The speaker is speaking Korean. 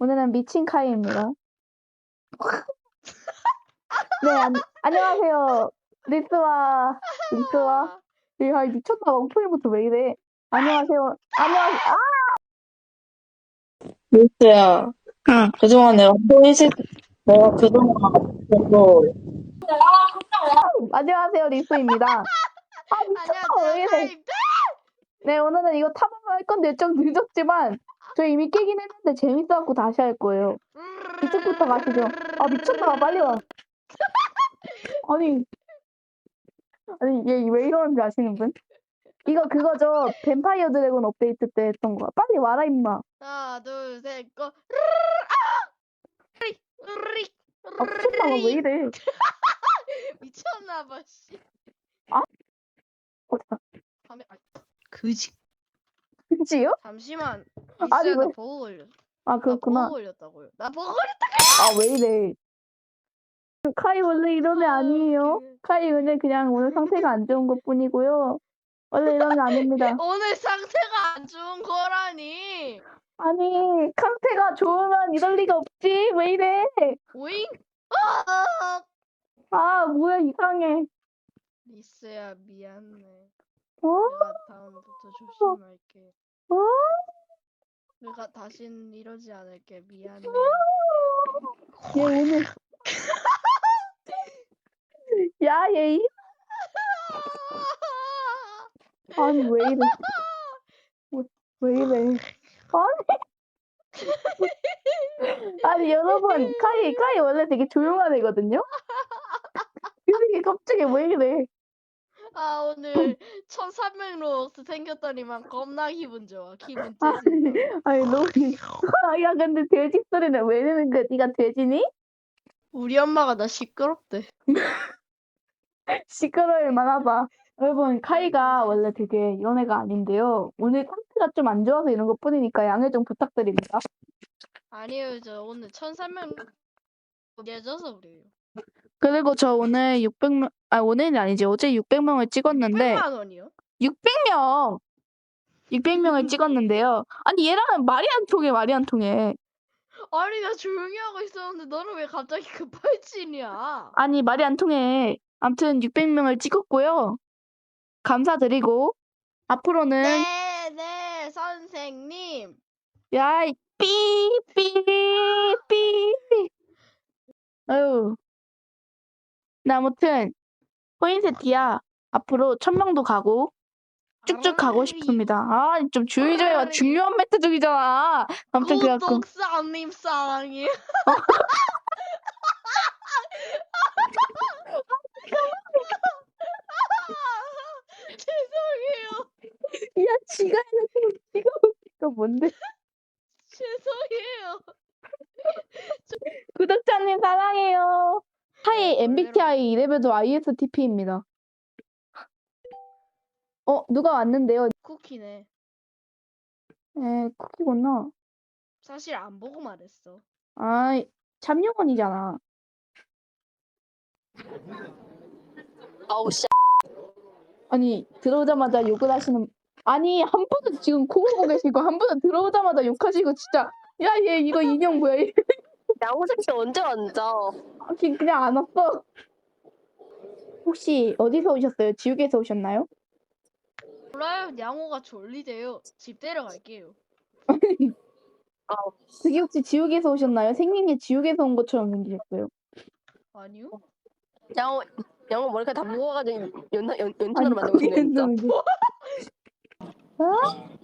오늘은 미친 카이입니다. 네, 안녕하세요. 리스와 야, 미쳤나 봐. 오프닝부터 왜 이래. 안녕하세요. 리스야, 응. 그동안 내가 그동안 계속, 안녕하세요. 리스입니다. 안녕하세요, 왜 이래. 카이입니다. 네, 오늘은 이거 탑업을 할 건데 좀 늦었지만 저 이미 깨긴 했는데 재밌어갖고 다시 할 거예요. 이쪽부터 가시죠. 아, 미쳤나 봐. 빨리 와. 아니, 얘 왜 이러는지 아시는 분? 이거 그거죠. 뱀파이어 드래곤 업데이트 때 했던 거야. 빨리 와라, 임마. 하나, 둘, 셋, 고. 아, 미쳤나 봐. 왜 이래. 미쳤나봐, 씨. 어디가? 그지. 그치요? 잠시만. 아니, 리스야, 나 왜? 버그 걸렸어. 아, 나 그렇구나. 버그 걸렸다고요. 나 버그 걸렸다. 아, 왜 이래. 카이 원래 이런 애 아니에요. 웃기네. 카이 그냥 오늘 상태가 안 좋은 것 뿐이고요. 원래 이런 애 아닙니다. 오늘 상태가 안 좋은 거라니. 아니, 상태가 좋으면 이럴 리가 없지. 왜 이래. 오잉? 아, 뭐야, 이상해. 리스야, 미안해. 어? 내가 다음부터 조심할게. 어? 내가 다신 이러지 않을게. 미안해. 얘 오늘. 야, 얘. 아니, 왜 이래. 왜 이래. 아니, 여러분. 카이 원래 되게 조용한 애거든요? 근데 갑자기 왜 이래. 아, 오늘 1300로벅스 생겼더니만 겁나 기분 좋아. 기분 째진다. 아니, 너무. 야, 근데 돼지 소리는 왜 내는 거야? 네가 돼지니? 우리 엄마가 나 시끄럽대. 시끄러울 만하다. 여러분, 카이가 원래 되게 이런 애가 아닌데요. 오늘 상태가 좀 안 좋아서 이런 것 뿐이니까 양해 좀 부탁드립니다. 아니에요, 저 오늘 1300 예져서 그래요. 그리고 저 오늘 600명, 오늘이 아니지. 어제 600명을 찍었는데. 600만 원이요? 600명! 600명을 찍었는데요. 아니, 얘랑은 말이 안 통해. 아니, 나 조용히 하고 있었는데 너는 왜 갑자기 급발진이야? 아니, 말이 안 통해. 아무튼 600명을 찍었고요. 감사드리고, 앞으로는. 네, 선생님. 야, 삐. 아유. 나 아무튼, 포인세티야. 앞으로 1000명도 가고, 쭉쭉 가고 싶습니다. 아, 좀 조용히 좀 해봐. 중요한 멘트 중이잖아. 아무튼 그래갖고. 구독사님 사랑해. 죄송해요. 야, 지가 해놓고 지가 웃기가 뭔데? 죄송해요. 구독자님 사랑해요. 하이 네, MBTI 이레벨도 ISTP입니다. 누가 왔는데요? 쿠키네. 쿠키구나. 사실 안 보고 말했어. 아이, 참용원이잖아. 아우, 씨. 아니, 들어오자마자 욕을 하시는. 아니, 한 분은 지금 코 골고 계시고, 한 분은 들어오자마자 욕하시고, 진짜. 야, 얘 이거 인형 뭐야? 양호석 언제 앉아? 그냥 안 왔어. 혹시 어디서 오셨어요? 지옥에서 오셨나요? 몰라요. 양호가 졸리대요. 집 데려갈게요. 그게 혹시 지옥에서 오셨나요? 생긴 게 지옥에서 온 것처럼 생기셨어요. 아니요? 양호 머리카락 다 묶어가지고 연탄으로 만들고 있네, 진짜. 어?